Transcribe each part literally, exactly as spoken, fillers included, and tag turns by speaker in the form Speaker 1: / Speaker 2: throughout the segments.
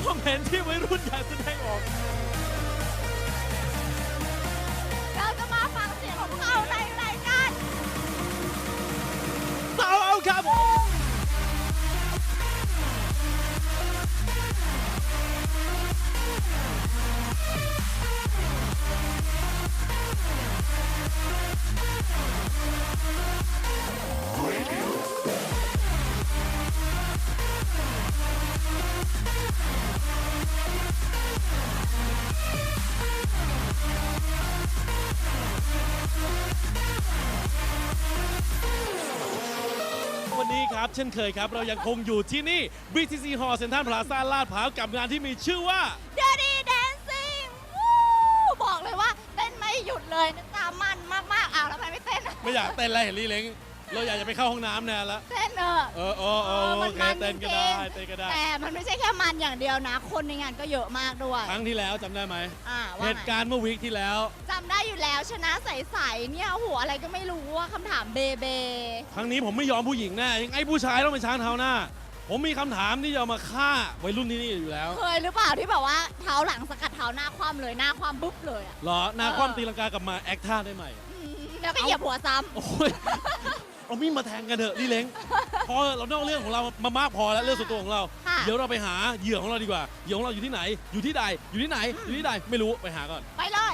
Speaker 1: ความเห็นที่วัยรุ่นอยากแสดงออก
Speaker 2: เราจะมาฟังเสียงของเขาในรายการ
Speaker 1: สาวเอาครับวันนี้ครับเช่นเคยครับเรายังคงอยู่ที่นี่ บี ที ซี Hall เซ็นทรัลพลาซ่าลาดพร้าวกับงานที่มีชื่อว่า
Speaker 2: Dirty Dancing วู้บอกเลยว่าเต้นไม่หยุดเลยนะจ๊ะมันมากๆอ้าวทำไมไม่เต้น
Speaker 1: ไม่อยากเต้นอะไรเห็นลี่เล้งเราอยากจะไปเข้าห้องน้ำแน่แล้ว
Speaker 2: เต้นเออ
Speaker 1: เออเออเออโอเคเต้นก็ได้เต้นก็ได้
Speaker 2: แต่มันไม่ใช่แค่มันอย่างเดียวนะ คนในงานก็เยอะมากด้วย
Speaker 1: ครั้งที่แล้วจำได้ไหม
Speaker 2: อ่าว่า
Speaker 1: เหตุการณ์เมื่อวีคที่แล้ว
Speaker 2: จำได้อยู่แล้วชนะใสๆเนี่ยหัวอะไรก็ไม่รู้ว่าคำถามเบเบ
Speaker 1: ครั้งนี้ผมไม่ยอมผู้หญิงแน่ยังไงผู้ชายต้องเป็นช้างเท้าหน้า ผมมีคำถามที่จะเอามาฆ่าวัยรุ่นที่นี่อยู่แล้ว
Speaker 2: เคยหรือเปล่าที่แบบว่าเท้าหลังสกัดเท้าหน้าคว่ำเลยหน้าคว่ำปุ๊บเลยอ่ะ
Speaker 1: เหรอหน้าคว่ำตีลังกากลับมาแอคท่าได้ใหม่
Speaker 2: อืมแล้วก็เหยียบหัวซ้
Speaker 1: โอ้ยเอามีดมาแทงกันเถอะลี่เล้งพอเรานอกเรื่องของเรามามากพอแล้วเรื่องส่วนตัวของเรา
Speaker 2: ำค่ะ
Speaker 1: เดี๋ยวเราไปหาเหยื่อของเราดีกว่าเหยื่อของเราอยู่ที่ไหน อยู่ที่ใดอยู่ที่ไหนอยู่ที่ใดไม่รู้ไปหาก่อน
Speaker 2: ไปเลย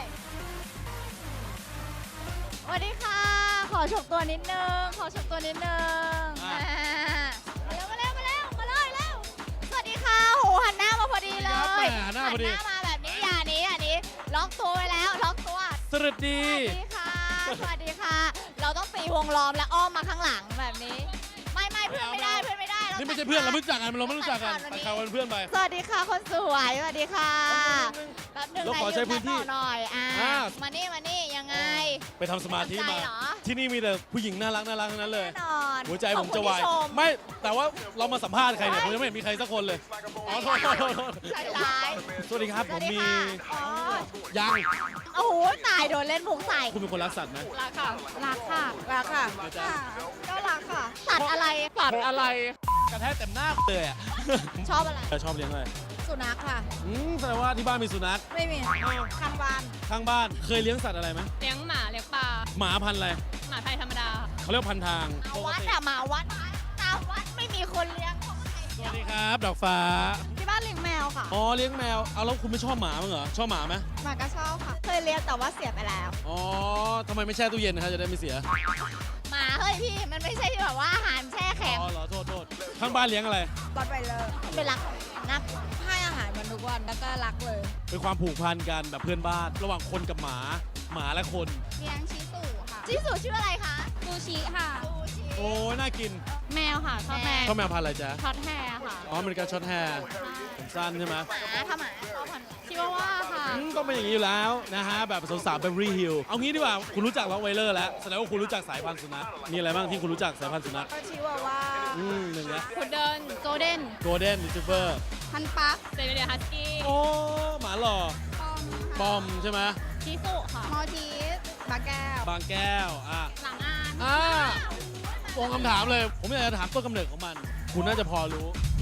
Speaker 2: สวัสดีค่ะ ขอฉกตัวนิดนึง ขอฉกตัวนิดนึง
Speaker 1: อ่ะ
Speaker 2: มาเร็วมาเร็วมาเร็วมาเลยเร็วสวัสดีค่ะโหหันหน้ามาพอดีเล
Speaker 1: ครับแห
Speaker 2: ย
Speaker 1: มหน้าพอดี
Speaker 2: หันหน้ามาแบบนี้อย่านี้อย่านี้ล็อกตัวไว้แล้วล็อกตัว
Speaker 1: สวัสดี
Speaker 2: สวัสดีค่ะ สวัสดีค่ะ เราต้องตีวงล้อมและอ้อมมาข้างหลังแบบนี้ ไม่ไม่เพื่อนไม่ได้เพื่อนไม่ได้รา
Speaker 1: นี่ไม่ใช่เพื่อนเราไม่รู้จักกันเราไม่รู้จักกัน
Speaker 2: ตัด
Speaker 1: ไป
Speaker 2: ขาด
Speaker 1: เขา
Speaker 2: วั
Speaker 1: เป็นเพื่อนไป
Speaker 2: สวัสดีค่ะคนสวยสวัสดีค่ะแป๊บหนึง
Speaker 1: เราขอใช้พื้นที่
Speaker 2: ยืต่อหน่อยอ่า
Speaker 1: อ่า
Speaker 2: มานี่มานี่ยังไง
Speaker 1: ไปทำสมาธิ
Speaker 2: ใจ
Speaker 1: มา
Speaker 2: เหรอ
Speaker 1: ที่นี่มีแต่ผู้หญิงน่ารักน่ารักทั้งนั้นเลย
Speaker 2: แน่นอน
Speaker 1: หัวใจผมจะ
Speaker 2: ขอบ
Speaker 1: วาย
Speaker 2: คุณที่ชม
Speaker 1: ไม่แต่ว่าเรามาสัมภาษณ์ใครเนี่ยผมยังไม่เห็นมีใครสักคนเลยอ๋อโทษโทษโทษโทษ
Speaker 2: ใจร้าย
Speaker 1: สวัสดีครับ
Speaker 2: ส
Speaker 1: ผ
Speaker 2: วัส
Speaker 1: ม
Speaker 2: ดี
Speaker 1: มี
Speaker 2: ค่ะอ๋อ
Speaker 1: ยัง
Speaker 2: โอ้โหตายโดนเล่นมุกใส่
Speaker 1: คุณเป็นคนรักสัตว์ไหม
Speaker 2: รักค่ะรักค่ะรักค่ะ
Speaker 1: อาจารย์
Speaker 2: ก็รักค่ะสัตว์อะไร
Speaker 1: สัตว์อะไรกระแทกเต็มหน้าเลยอ่ะ
Speaker 2: ชอบอะไร
Speaker 1: ชอบเลี้ยงอะไร
Speaker 2: สุนัขค่ะ
Speaker 1: อืมแสดงว่าที่บ้านมีสุนัข
Speaker 2: ไม่มีข้างบ้าน
Speaker 1: ข้างบ้านเคยเลี้ยงสัตว์อะไรไหม
Speaker 3: เลี้ยงหมาเลี้ยงปลา
Speaker 1: หมาพันธุ์อะไร
Speaker 3: หมาไทยธรรมดา
Speaker 1: เขาเรียกพันทาง
Speaker 2: หมาวัดอะหมาวัดตามวัดไม่มีคนเลี้ยงเขาก็ให้
Speaker 1: สวัสดีครับ ดอกฟ้า
Speaker 2: ที่บ้านเลี้ยงแมวค่ะ
Speaker 1: อ๋อเลี้ยงแมวเอาแล้วคุณไม่ชอบหมามั้างเหรอชอบหมาไหม
Speaker 2: หมาก็ชอบค่ะ เคยเลี้ยงแต่ว่าเสียไปแล้ว
Speaker 1: อ๋อทำไมไม่แช่ตู้เย็นนะครับจะได้ไม่เสีย
Speaker 2: หมาเฮ้ยพี่มันไม่ใช่แบบว่าอาหารแช่แข็ง
Speaker 1: อ๋อเหรอโทษโทษข้างบ้านเลี้ยงอะไร
Speaker 2: ก็ไปเลยไปรักนักให้อาหารมันทุกวันแล้วก็รักเลย
Speaker 1: เป็นความผูกพันกันแบบเพื่อนบ้านระหว่างคนกับหมาหมาและคน
Speaker 2: เลี้ยงชิสุค่ะชิสุชื่ออะไรคะ
Speaker 3: ซูชิค่ะ
Speaker 2: ซูชิ
Speaker 1: โอ้ยน่ากิน
Speaker 3: แมวค่ะชอบแมว
Speaker 1: ชอบแมวพันธุ์อะไรจ๊ะ
Speaker 3: ช็อตแฮร์ค่ะ
Speaker 1: อ๋ออเมริกันช็อตแฮร์ผมสั้นใช่ไหม
Speaker 2: หมาถ้าหมาชอบพันธุ์อะไร
Speaker 3: ชิวาว่าค่ะ
Speaker 1: อืมก็เป็นอย่างนี้อยู่แล้วนะฮะแบบสาวๆเบเวอรี่ฮิลเอางี้ดีกว่าคุณรู้จักล็อกไวเลอร์แล้วแสดงว่าคุณรู้จักสายพันธุ์สุนัขมีอะไรบ้างที่คุณรู้จักสายพันธุ์สุนัข
Speaker 2: ก็ชิวาว่า
Speaker 1: อืมหนึ่งละ
Speaker 3: พุดเดิลโกลเด้น
Speaker 1: โกลเด้นรีทรีเวอร์
Speaker 2: พันปัก
Speaker 3: เซเบเรียฮัสกี้
Speaker 1: โอ้หมาหล่อ
Speaker 2: ปอม
Speaker 1: ปอมใช่ไหม
Speaker 3: ชิสุค่ะ
Speaker 2: มอทีสบาแก้ว
Speaker 1: บางแก้วอ่ะ
Speaker 3: หลังอาน
Speaker 1: อ่าตรงคำถามเลย ผมอยากจะถามต้นกำเนิดของมัน คุณน่าจะพอรู้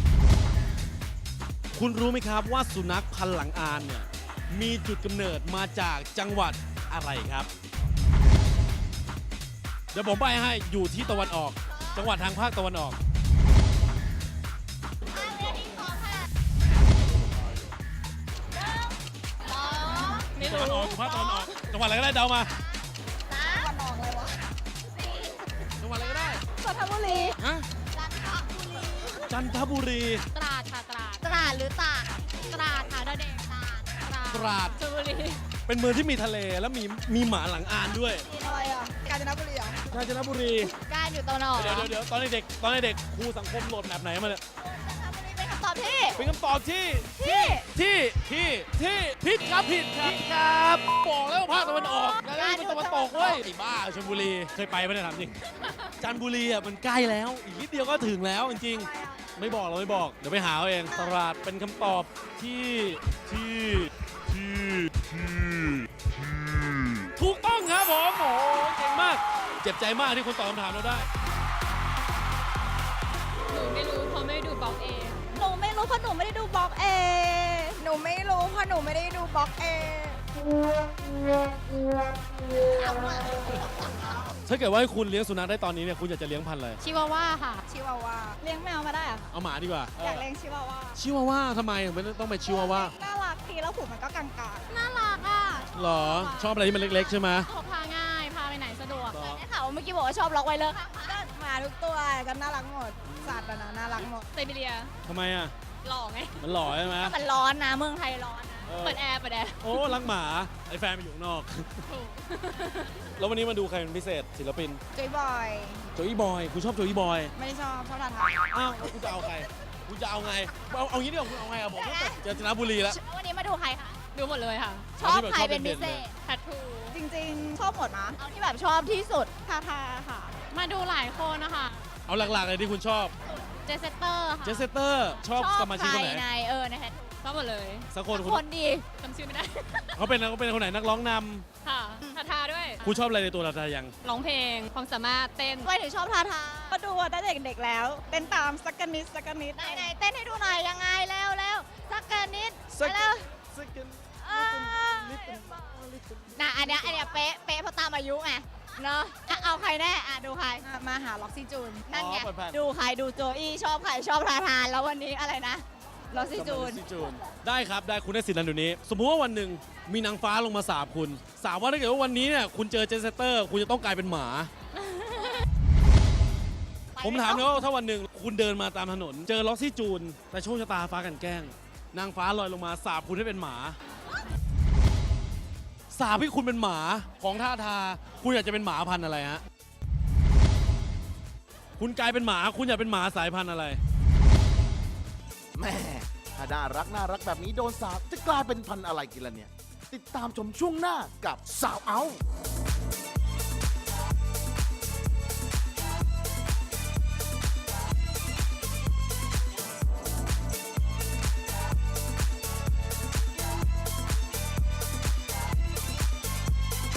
Speaker 1: คุณรู้ไหมครับว่าสุนัขพันธุ์หลังอานเนี่ย มีจุดกำเนิดมาจากจังหวัดอะไรครับ เดี๋ยวผมใบ้ให้อยู่ที่ตะวันออก จังหวัดทางภาคตะวันออก
Speaker 3: ไม่
Speaker 1: ตะวันอ
Speaker 3: รู้
Speaker 1: อกภาคตะวันออก จังหวัดอะไรก็ได้เดามา
Speaker 2: วันออกเลยวะ
Speaker 1: จังหวัดอะไรก็ได้
Speaker 2: จันทบุรี
Speaker 1: ฮะ
Speaker 2: จันทบุรี
Speaker 1: จันทบุรี
Speaker 3: ตราดค่ะตราด
Speaker 2: ตราดหรือตาก
Speaker 3: ตราดค่ะดาวเด็กตราด
Speaker 1: ตราด
Speaker 3: ชลบุรี
Speaker 1: เป็นเมืองที่มีทะเลแล้วมีมีหมาหลังอานด้วย
Speaker 2: อะไรอ่ะกาญจนบุรีเหรอก
Speaker 1: าญจนบุรี
Speaker 2: การอยู่ตะวันออก
Speaker 1: เดี๋ยวเดี๋ยวเดี๋ยวตอนเด็กๆตอนเด็กๆครูสังคมโหลดแบบไหนมาเนี่ย
Speaker 2: จันทบุรีเป็นคำตอบที่
Speaker 1: เป็นคำตอบที่
Speaker 2: ที่
Speaker 1: ที่ที่ที่ผิดครับผิดครับครับบอกแล้วว่าภาคตะวันออกแล้วนี่เป็นตะวันตกเว้ยไอ้บ้าชลบุรีเคยไปไหมเนี่ยถามจริงจันทบุรีอ่ะมันใกล้แล้วอีกนิดเดียวก็ถึงแล้วจริงๆไม่บอกเราไม่บอกเดี๋ยวไปหาเอาเองตราดเป็นคำตอบที่ที่ที่ที่ถูกต้องครับผมโอ้โหเก่งมาก เจ็บใจมากที่คุณตอบคำถามเราได้
Speaker 3: หนูไม่รู้เพราะไม่ดูบล็อกเอง
Speaker 2: หนูไม่รู้เพราะหนูไม่ได้ดูบล็อกเอง
Speaker 4: ไม่รู้เพราะหนูไม่ได้ดูบล็อกเอง
Speaker 1: ถ้าเกิดว่าให้คุณเลี้ยงสุนัขได้ตอนนี้เนี่ยคุณอยากจะเลี้ยงพันธุ์อะไร
Speaker 3: ชิวาว่าค่ะ
Speaker 4: ชิวาว่าเลี้ยงแมวมาได้อะ
Speaker 1: เอาหมาดีกว่า
Speaker 4: อยากเลี้ยงชิวาว่า
Speaker 1: ชิวาว่าทำไมถึงไม่ต้องเป็นชิวาว่า
Speaker 4: น่ารักทีแล้วผูมันก็กลาง
Speaker 3: น่ารักอ่ะ
Speaker 1: หรอชอบอะไรที่มันเล็กๆใช่ไหม
Speaker 3: พกพาง่าย พาไปไหนสะดวก
Speaker 2: ได้ข่าวว่าเมื่อกี้บอกว่าชอบล็อกไวเลอร์ข้าง
Speaker 4: ๆก็หมาทุกตัวก็น่ารักหมดสัตว์อะนะน่ารักหมด
Speaker 3: ไซบีเรีย
Speaker 1: ทำไมอ่ะ
Speaker 3: หล่อไง
Speaker 1: มันหล่อใช่ไหม
Speaker 2: มันร้อนนะเมืองไทยร้อนนะ
Speaker 1: เออ
Speaker 3: เปิดแอร์ เปิดแอร์
Speaker 1: โอ้รักหมาไอ้แฟนไปอยู่ข้างนอก
Speaker 3: ถูก
Speaker 1: แล้ววันนี้มาดูใครเป็นพิเศษศิลปิน
Speaker 4: จุยบอย
Speaker 1: โจอี้บอยคุณชอบโจอี้บอย
Speaker 4: ไม่ได้ชอบชอบทาทา
Speaker 1: อ้าวแล้วคุณจะเอาใครคุณจะเอาไงเอาเอางี้ดีกว่าคุณเอาไงอ่ะบอกว่าเจอจันทบุรีแล้ว
Speaker 2: วันนี้มาดูใครคะ
Speaker 3: ดูหมดเลยค่ะ
Speaker 2: ชอบใครเป็นพิเศษ
Speaker 3: แทททู
Speaker 4: จริงๆ ชอบหมดนะ
Speaker 2: เอาที่แบบชอบที่สุด
Speaker 4: ทาทาค่ะ
Speaker 3: มาดูหลายคนนะคะ
Speaker 1: เอาหลักๆเลยที่คุณชอบ
Speaker 3: เจสเตอร์ค่ะ
Speaker 1: เจสเตอร์ชอบสมาชิก
Speaker 2: ใค
Speaker 1: ค
Speaker 2: ร
Speaker 1: นไหน
Speaker 2: ในเออในแททู
Speaker 3: ชอบหมดเลย
Speaker 1: สักคนคุณ
Speaker 2: คนดี
Speaker 3: จำชื่อไม่ได้
Speaker 1: เขาเป็นเขาเป็นคนไหนนักร้องน
Speaker 3: ค่ะ ทาทาด้วย
Speaker 1: ำคุณชอบอะไรในตัวทาทายัง
Speaker 3: ร้องเพลง ความสามารถเต้น
Speaker 2: ทำไมถึงชอบทาทา
Speaker 4: ก็ดูตั้งแต่เด็กๆแล้ว เต้นตามสักกะนิดสักกะนิด
Speaker 2: ไหนไหนๆเต้นให้ดูหน่อยยังไงเร็วเร็วสักกันนิด
Speaker 1: สัก
Speaker 2: เร็ว
Speaker 1: สักกัน
Speaker 2: เออน่ะอันเนี้ยอันเนี้ยเป๊ะเป๊ะเพราะตามอายุไงเนาะอ่ะเอาใครแน่อ่ะดูใคร
Speaker 4: อ่ะมาหาล็อกซี่จูน
Speaker 2: นั่นไง
Speaker 1: อ๋อเปิดแผ่น
Speaker 2: ดูใครดูโจอี้ชอบใครชอบทาทานแล้ววันนี้อะไรนะลอซี่จูน
Speaker 1: สมาชิกจูนได้ครับได้คุณได้สิทธิ์นั้นเดี๋ยวนี้ สมมุติว่าวันหนึ่งมีนางฟ้าลงมาสาบคุณ สาบว่าถ้าเกิดว่าวันนี้เนี่ยคุณเจอเจสเตอร์ คุณจะต้องกลายเป็นหมา ผมถามเลยว่าถ้าวันหนึ่งคุณเดินมาตามถนน เจอล็อกซี่จูน แต่โชคชะตาฟ้ากันแกล้ง นางฟ้าลอยลงมาสาบคุณให้เป็นหมา สาบให้คุณเป็นหมาของท่าทา คุณอยากจะเป็นหมาพันธุ์อะไรฮะ คุณกลายเป็นหมาคุณอยากเป็นหมาสายพันธุ์อะไร
Speaker 5: แม่ถ้าน่ารักน่ารักแบบนี้โดนสาบจะกลายเป็นพันธุ์อะไรกินล่ะเนี่ย ติดตามชมช่วงหน้ากับสาวเอา